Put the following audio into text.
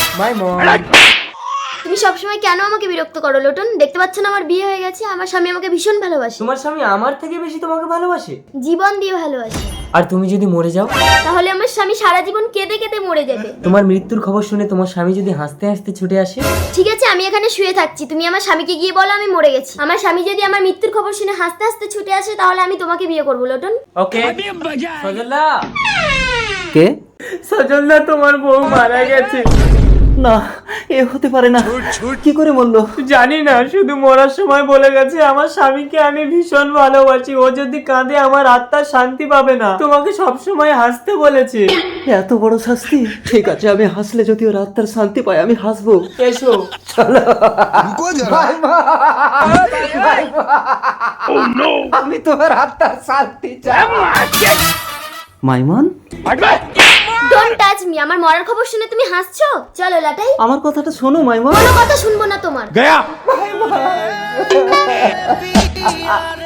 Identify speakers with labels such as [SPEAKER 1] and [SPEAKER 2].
[SPEAKER 1] মাই মম।
[SPEAKER 2] তুমি সবসময় কেন আমাকে বিরক্ত করো লোটন? দেখতে পাচ্ছ না আমার বিয়ে হয়ে গেছে, আমার স্বামী আমাকে ভীষণ ভালোবাসে।
[SPEAKER 1] তোমার স্বামী আমার থেকে বেশি তোমাকে ভালোবাসে?
[SPEAKER 2] জীবন দিয়ে ভালোবাসে।
[SPEAKER 1] আর তুমি যদি মরে যাও?
[SPEAKER 2] তাহলে আমার স্বামী সারা জীবন কেঁদে কেঁদে মরে যাবে।
[SPEAKER 1] তোমার মৃত্যুর খবর শুনে তোমার স্বামী যদি হাসতে হাসতে ছুটে আসে?
[SPEAKER 2] ঠিক আছে, আমি এখানে শুয়ে থাকছি, তুমি আমার স্বামীকে গিয়ে বলো আমি মরে গেছি। আমার স্বামী যদি আমার মৃত্যুর খবর শুনে হাসতে হাসতে ছুটে আসে তাহলে আমি তোমাকে বিয়ে করবো লোটন।
[SPEAKER 1] ওকে। সজলদা। কে? সজলদা, তোমার বউ মারা গেছে।
[SPEAKER 3] না, এ হতে পারে না। কি করে বললো?
[SPEAKER 1] জানি না, শুধু মরার সময় বলে গেছে আমার স্বামীকে আমি ভীষণ ভালোবাসি, ও যদি কাঁদে আমার আত্মা শান্তি পাবে না। তোমাকে সবসময় হাসতে বলেছে।
[SPEAKER 3] এত বড় শাস্তি? ঠিক আছে, আমি হাসলে যদি ওর আত্মার শান্তি পায় আমি হাসবো।
[SPEAKER 1] এসো।
[SPEAKER 3] চলো। আমি তোমার আত্মার শান্তি চাই। মাইমন,
[SPEAKER 2] ডোন্ট টাচ মি। আমার মরার খবর শুনে তুমি হাসছো? চলো লাটাই।
[SPEAKER 3] আমার কথাটা শোনো মাইমন।
[SPEAKER 2] কোনো কথা শুনবো না তোমার।
[SPEAKER 1] গয়া।